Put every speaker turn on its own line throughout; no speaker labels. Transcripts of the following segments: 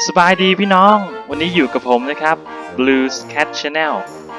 สบายดีพี่น้องวันนี้อยู่กับผมนะครับ Blues Cat Channel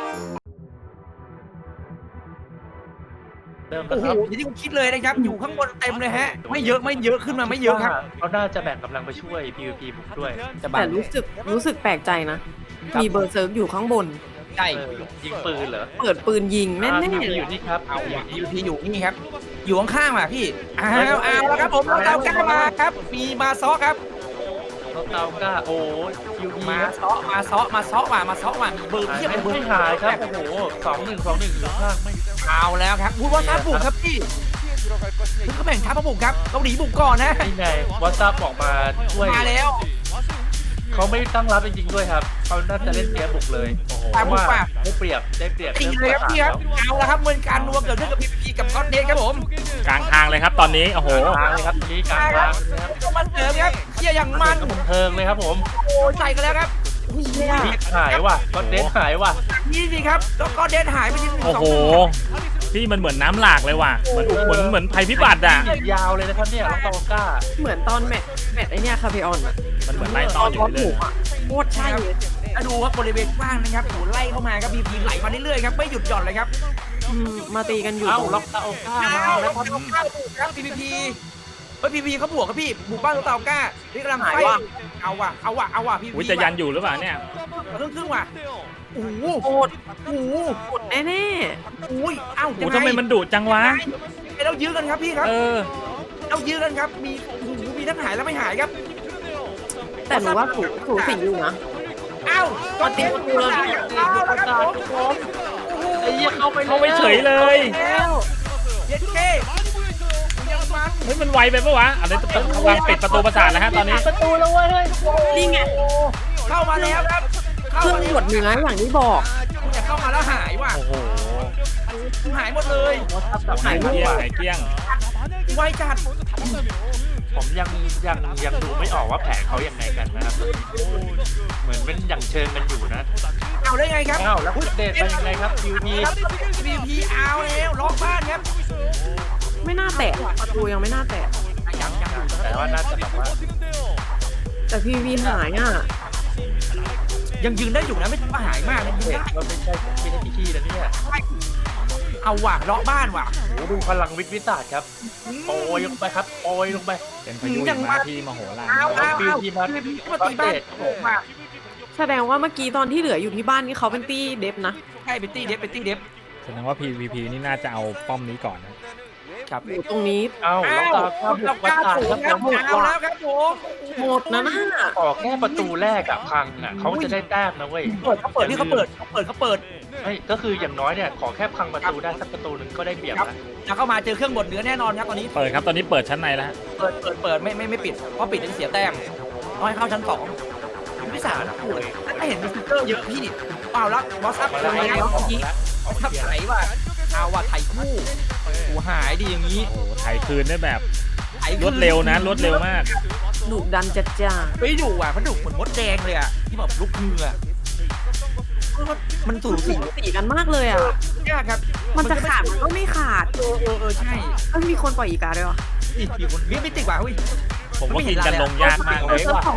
เริ่ม
โอ้
แล้ว
โห
ครับ
อย่างที่ผมคิดเลยนะครับอยู่ข้างบนเต็มเลยฮะไม่เยอะขึ้นมาไม่เยอะครับ
เขาน่าจะแบ่งกำลังไปช่วย PVP บุกด้วย
แต่รู้สึกแปลกใจนะ มีเบอร์เซิร์กอยู่ข้างบน
ใช่
ยิงปืนเหรอ
เปิดปืนยิงแน่
PVP
ๆเล
อย ยู่นี่ครับ
เอา
อยู่
ว่ะ
นี่
อยู่นี่ครับ อยู่ข้างๆว่ะพี่เอาแล้วครับผมเราก้ามาครับมีมาซ้อครับ
รถเตาก้าโอ้ PVP
มาซ้อมามีเบอร์เพียบเลย
ไม่หายครับโอ้โห2-1อยู่ข้างไม่
เอาแล้วครับพูดว่าทัพบุกครับพี่ถึงเขาแบ่งทัพมาบุกครับเกาหลีบุกก่อนนะ
นี่ไงวอทซับออกมาช่วย
มาแล้ว
เขาไม่ตั้งรับจริงๆด้วยครับเขาน่าจะเล่นเกมบุกเลยโอ้โหว่าได้เปรียบ
จริงเลยครับพี่ครับเอาละครับเหมือนการรวมเกิดขึ้นกับพีกับก็อดเดทครับผม
กลางทางเลยครับตอนนี้โอ้โห
ทางเลยครับตรงนี้กลางทางนะครับ
ต้องมาเสริมครับเชียร์อย่างมัน
บันเทิงเลยครับผม
โอ้ใส่กันแล้วครับ
หายว่ะก็เดนหายว่ะ
นี่สิครับแล้วก็เดทหายไปทีหนึ่ง
โอ้โหพี่มันเหมือนน้ำหลากเลยว่ะเหมือนภัยพิบัติอ่ะ
ยาวเลยนะครับเนี่ยรถเตาก้า
เหมือนตอนแมตช์ไอเนี้ยคาเฟออนอะ
มันเหมือนไล่ต้อนอยู่
ตอน
เล
หมู
ย
อะโคตรใช่เลย
ดูครับบริเวณกว้างนะครับโอ้ไล่เข้ามาครับพีไหลมาเรื่อยๆครับไม่หยุดหย่อนเลยครับ
มาตีกันอยู่
เอ้า
ตรง
ล็อกเตาก้ามา
เอา
แล้
แล้ว ว
ครับ
ครับพีพีเขาบวกครับพี่บุกบ้านตัวเต่าก้านี่กำลังไฟเอาว่ะพี
อุ้ยจะยันอยู่หรือเปล่าเนี่ย
ครึ่งว่ะโอ้โห
โคตร
โอ้โห
กดแน่
อุ้ยเอ้า
โอ้ทำไมมันดุจังวะ
เรายื้อกันครับพี่ครับ
เออ
เรายื้อกันครับมีโอ้โหมีทั้งหายและไม่หายครับ
ๆแต่หนูว่าสูสีอยู่นะ
เอ้าก็เตรียมตัวแล้วครับผม
ไอ้เหี้ยเข้าไป
เข้าไปเฉยเลย
แล้วเย็นเคยังมัน
เฮ้ยมันไวไปปะวะอะไรวางปิดประตูประสาทแล้วฮะตอนนี้
ประตูแล้วเว้ย
นี่ไง
เข้ามาแล้วครับ
เครื่องหมดเนื้ออย่างที่บอก
จะเข้ามาแล้วหายว่ะ
โอ้โห
หายหมดเลย
หายเกลี้ยงหายเกลี้ยง
ไวจัด
ผมยังดูไม่ออกว่าแผนเขายังไงกันนะครับเหมือนเป็นอย่างเชิงกันอยู่นะ
เอาได้ไงครับ
อ้าวแล้วเดทเป็นยังไงครับ PVP
ครับ PVP เอาแล้วล็อกบ้านครับ
ไม่น่าแตะประตูยังไม่น่าแตะ
ยังอยู่
แต่ว่าน่าจะแบบว่า
แต่พีวีหายอ่ะ
ยังยืนได้อยู่นะไม่หายมากนะยืน
เด
ได้
ทมันไม่ใช่พี่นะเนี่ย
เอาว่ะล็อกบ้านว่ะ
โอ้ดูพลังวิทย์วิสาดครับโอยลงไปครับโอยลงไป
เป็นพายุหิมะที่มโหฬาร
เอา
PVP มา
มาตีบ้านผมว่ะ
แสดงว่าเมื่อกี้ตอนที่เหลืออยู่ที่บ้านนี่เขาเป็นตี้เดฟนะ
ใช่เป็นตี้เดฟ
แสดงว่า PVP นี่น่าจะเอาป้อมนี้ก่อนนะครับ
อยู่ตรงนี้
เอ้าแล้วตาข้าบุ
เรา
ก
ก
ประ
ล้า
สาท
สู
ค
ง
รับ
ค
ผ
รับ
ม
เอาแล้วครับผม
หมดนะน่ะ
ออกแค่ประตูแรกอะพังอะเขาจะได้แต้มนะเว้ย
เขาเปิดที่เขาเปิด
ไม่ก็คืออย่างน้อยเนี่ยขอแค่พังประตูได้สักประตูหนึ่งก็ได้เปรียบนะ
แล้วเข้ามาเจอเครื่องบดเนื้อแน่นอนครับตอนนี้
เปิดครับตอนนี้เปิดชั้นในแล้วฮะ
เปิดไม่ปิดเพราะปิดจะเสียแต้มน้อยเข้าชั้น2พี่สาวนะป่วยถ้าเห็นมีสติ๊กเกอร์เยอะพี่เอาละบอสอัพ
มา
เล
แล้ว
ยครับเมื่อกี้ทับไหลว่ะเอาว่ะไถ่คู่โอ้หายดีอย่างนี้
โอ้โหไถคืนได้แบบ
ไถ่
รวดเร็วนะรวดเร็วมาก
ดุดันจัดจ้า
ไม่ดุอ่ะเขาดุเหมือนมดแดงเลยอ่ะที่แบบลุกมืออ่ะมันสูสี
สีกันมากเลยอ่ะ
ยากครับ
มันจะขาดมันก็ไม่ขาด
ใช่
เอ้ยมีคนปล่อยอีกาด้วยวะ
อีกคนวิ่งไม่ติดว่ะเฮ้ย
ผมว่ากินกันลงยากมากเลย
เซิร์ฟ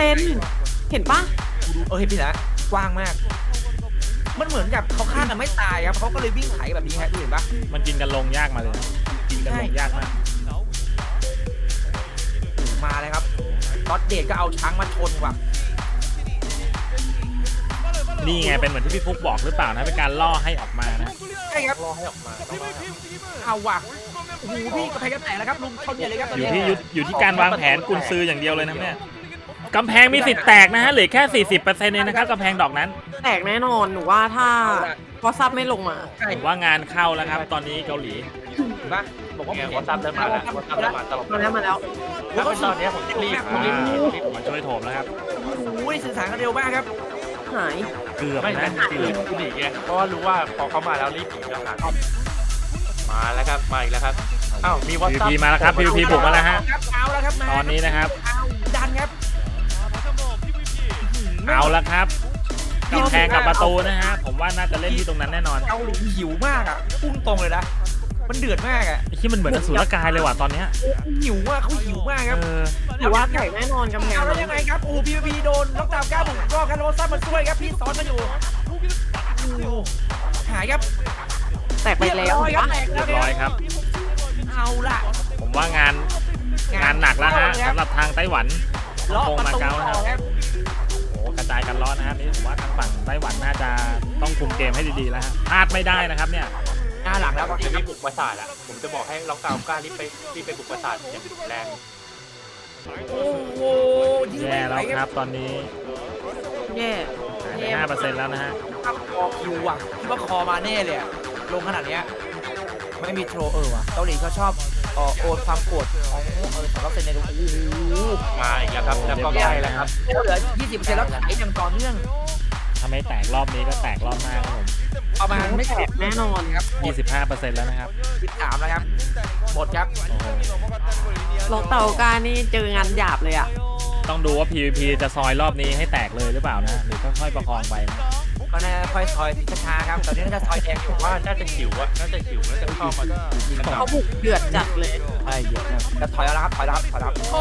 200%เห็นปะ
เห็นพี่นะกว้างมาก มันเหมือนกับเขาฆ่ากันไม่ตายครับเขาก็เลยวิ่งไถแบบนี้ฮะดูเห็นปะ
มันกินกันลงยากมาเลยนะกินกันลงยากมาก
มาเลยครับน็อตเดทก็เอาช้างมาชนว่ะ
นี่ไงเป็นเหมือนที่พี่ฟุกบอกหรือเปล่านะเป็นการล่อให้ออกมานะ
ใช่ครับ
รอให้ออกมา
เอาว่ะโอ้โหพี่กระแพงกระแตกแล้วครับลุงชนใหญ่เลยครับตอน
อยู่
นี้
ที่อยู่ที่การวางแผนกุญซืออย่างเดียวเลยนะเนี่ยกำแพงมีสิทธิ์แตกนะฮะเหลือแค่ 40%เองนะครับกำแพงดอกนั้น
แตกแน่นอนหนูว่าถ้าพอซับไม่ลงมา
ใช่
ผมว่างานเข้าแล้วครับ ตอนนี้เกาหลี
เห็นปะบอกว่า
ไงวอทซับเริ่มมาแล้ววอทซับเริ่มมาตลอด
มาแล้ว
ถ้าเป็นตอนนี้ผมรีบ
มาช่วยโถมแล้วครับ
โอ้ยสื่อสารกันเร็วมากครับ
หาย
เกือบ
ไม่
นะ
งั้น
เกือบ
หนีไงเพราะว่ารู้ว่าพอเขามาแล้วรีบหนีแล้วหามาแล้วครับมาอีกแล้วครับอ้าวมีวอทซับ
PVP มาแล้วครับ PVP บุกมาแล้วฮะ
เอาแล้วครับมา
ตอนนี้นะครับ
เอาดันครับ
เอาละครับกำแพงกับประตูนะฮะผมว่าน่าจะเล่นที่ตรงนั้นแน่นอน
เกาหลีหิวมากอ่ะพุ่งตรงเลยนะมันเดือดมากอ่ะ
ไอ้ที่มันเหมือนอสูรกายเลยว่ะตอนเนี้ย
หิวอ่ะเขาหิวมากครับ
หรือว่าแตกแน่นอนกำแพง
เอาแล้วยังไงครับโอ้พีพีโดนล็อกดาวน์9 บุกรอบครับแล้วซับมันช่วยครับพี่ซ้อนมาอยู่หายครับ
แตกไปแล้ว
เรียบร้อยครับแตก
เรี
แล้
ยว บร้อยครับ
เอาล่ะ
ผมว่างานหนักแล้วฮะสำหรับทางไต้หวันฮ่อง
ล็อก
กง
ประ
มา
ตู
เก๊า
ต่
นะครับ
อครับ
โอ้กระจายกันร้อนนะครับนี่ผมว่าทางฝั่งไต้หวันน่าจะต้องคุมเกมให้ดีๆแล้วฮะพลาดไม่ได้นะครับเนี่ย
หน้าหลังแล้ว
จะรีบบุกปราสาทอ่ะผมจะบอกให้ล็อกดาวน์กล้ารีบไปบุกปราสาทอย่างแรง
โอ้โหยืด
แย่
ไม่ไห
แล้ว วครับตอนนี้
แย่
หายไป5%แล้วนะฮะ
คอคิวอ่ะคิดว่าคอมาแน่เลยอะลงขนาดเนี้ยไม่มีโทรว่ะเกาหลีเขาชอบโอนความโกรธของสำหรับเซนเนโอ้โห
มาอีกแล้วครับแล้วก็ใกล้แล้วครับ
เหลือ 20%แล้วขายอย่างต่อเนื่อง
ถ้าไม่แตกรอบนี้ก็แตกรอบหน้าครับผม
ประมาณ
ไม่แตกแน่นอน
ครับ
25%แล้วนะครับ
13แล้วครับหมดครับ
โอ้โห
ล็อกเต่าการนี่เจองานหยาบเลยอ่ะ
ต้องดูว่า PVP จะซอยรอบนี้ให้แตกเลยหรือเปล่านะหรือค่อยๆประคองไปนะ
ก็น่าค่อยซอยช้าๆครับตอนนี้น่าจะซอยแดงอยู่
ว่าน่าจะหิวอ่ะน่าจะหิวน่าจะเข้ามายิงกัน
เขาบุกเดือดจัดเลย
ใช่เยอะนะจะถอยแล้วครับถอยแล้วผม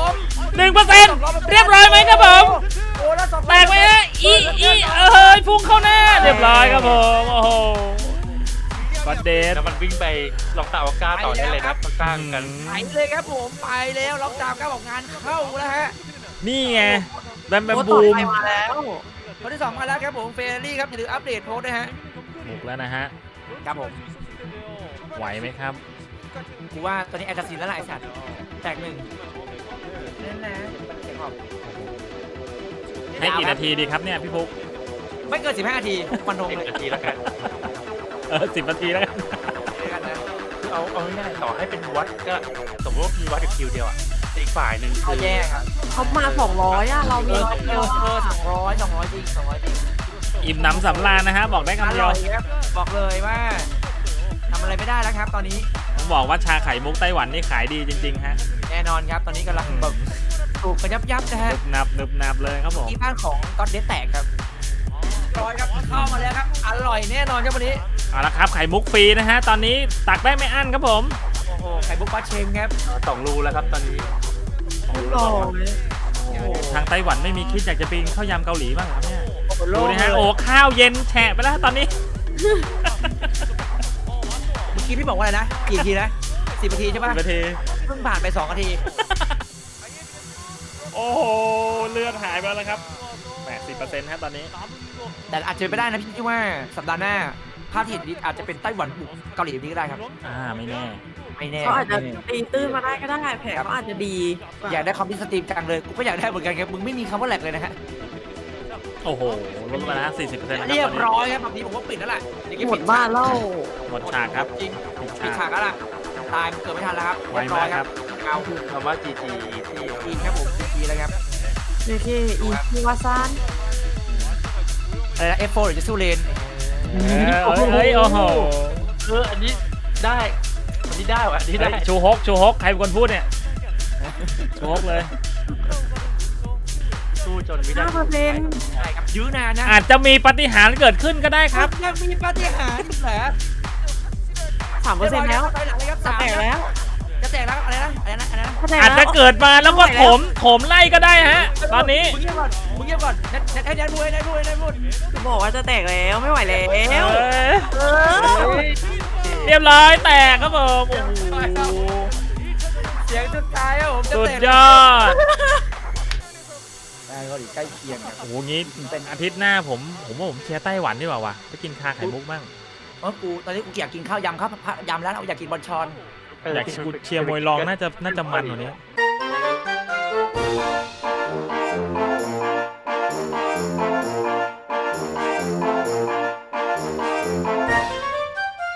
1%เรียบร้อยไหมครับผม
โอ้แล้ว
แตกไหมฮะพุ่งเข้าหน้าเรียบร้อยครับผมโอ้โหก็เดน
แล้วมันวิ่งไปล็อกดาวน์กล้าต่อได้เลยนะข้างๆกัน
ไปเลยครับผมไปแล้วล็อกดาวน์ครับบอกงานเข้าแล้วฮะ
นี่ไงแบม
โอ้
บู
ต่อ
ม
ไปมาแล้ว
คนที่ 2 มาแล้วครับผมเฟรรี่ครับอย่าลืมอัปเดตโพสต์ด้วยฮะ
บุกแล้วนะฮะ
ครับผม
ไหวไหมครับ
กูว่าตอนนี้แอคซินแล้วล่ะไอ้สัตว์แตกหนึ่งนั่นนะเสียงออก
ให้กี่นาทีดีครับเนี่ยพี่ฟุก
ไม่เกิน15 นาทีฟันธง
10
เลย
นาทีแล้วกัน
10 นาทีแล้วกัน
ด้วยกันนะ
คือเอาง่ายๆต่อให้เป็นวัดก็สมมติว่ามีวัดกับคิวเดียวอ่ะอีกฝ่ายหนึ่ง
เขา
คือ
แย่ครับ
เขามา200อ่ะเรามีร้อยเดียว
200จริง200จริง
อิ่มหนำสำราญนะฮะบอกได้
อ
คำเดียว
ร่อยครับบอกเลยว่าทำอะไรไม่ได้แล้วครับ ตอนนี้
ผมบอกว่าชาไข่มุกไต้หวันนี่ขายดีจริงๆฮะ
แน่นอนครับ ตอนนี้กำลังแบบถูกกระยับนะฮะ
นึบนับเลยครับผม
ที่บ้านของก็อดเดสแตกครับร้อยครับเข้ามาแล้วครับอร่อยแน่นอนครับวันนี้
เอาละครับไข่มุกฟรีนะฮะตอนนี้ตักได้ไม่อั้นครับผม
โอ้โหไข่บุกปลาเชงครับ
2 รูแล้วครับตอนนี้
หล่อ
ทางไต้หวันไม่มีคิดอยากจะปีนข้าวยำเกาหลีบ้างเหรอครับเนี่ย
โอ้โห
ดูนะฮะโอ้ข้าวเย็นแฉะไปแล้วตอนนี้
เมื่อกี้พี่บอกว่าอะไรนะกี่นาทีนะ10 นาทีใช่ปะ
10 นาที
เพิ่งผ่านไป2 นาที
โอ้โหเลือดหายไปแล้วครับ 80%ครับตอนนี้
แต่อาจจะเป็นไปได้นะพี่คิดว่าสัปดาห์หน้าภาพที่เห็นนี้อาจจะเป็นไต้หวันบุกเกาหลีแบบนี้ก็ได้ครับ
ไม่แน่
ไม่แน่
เขาอาจจะตีตื้นมาได้ก็ได้แผลเขาอาจจะดี
อยากได้คอมพิวสตรีมจังเลยกูก็อยากได้เหมือนกันครับมึงไม่มีคำว่าแหลกเลยนะฮะ
โอ้โหลดมาแล้ว 40%แล้วครับ
เรีย
ต
บ
อนนี้
ร้อยครับแบบนี้ผมว่าปิดแล้วล่ะเดี๋ยว
หมดบ้านแล้ว
หมดฉากครับ
จริง
ปิด
ปิด
ฉา
ฉาก กแล้วล่ะตายเกิดไม่ทันแล้วครับ
ไวมากครับ
เอา
คำว่า GG ที่
ทีครับผมทีแล้วครับ
นี่ที่อีคิวาซาน
อะไรนะ F4 หรือจะสู้เลน
โอ้โห
อันนี้ได้อันนี้ได้ว่ะอันนี้ได้
ชูฮกใครเป็นคนพูดเนี่ยชูฮกเลย
สู้จนไม่ได้
5%
ใช่ครับยื้อนานนะ
อาจจะมีปาฏิหาริย์เกิดขึ้นก็ได้ครับ
ยังมีปาฏิหาริย์เหรอ
3%แล้ว
ไปหลังเลยครับ
จะแตกแล้ว
จะแตกแล้วอะไรนะอะไรนะอะไรนะ
ถ้าแตก
อาจจะ
แล้ว
เกิดมาแล้วก็ถมไล่ก็ได้ฮะ ตอนนี้
มึงเงียบก่อนมึงเงียบก่อนให้แดนพูดให้แดนพูด
จะบอกว่าจะแตกแล้วไม่ไหวแล้ว เออ
เรียบร้อยแตกครับผมโอ้โห
เสียงสุดท้ายครับผมจะ
สุด
แตก
ยอด
ได้ก็ดีใกล้เคียงครับ
โอ้โหงี้เป็นอาทิตย์หน้าผมว่าผมเชียร์ไต้หวันดีกว่าวะไปกินคาไข่มุกบ้าง
กูตอนนี้กูอยากกินข้าวยำครับยำแล้วอยากกินบอลชอน
อยากเชียร์มวยรองน่าจะมันกว่านี้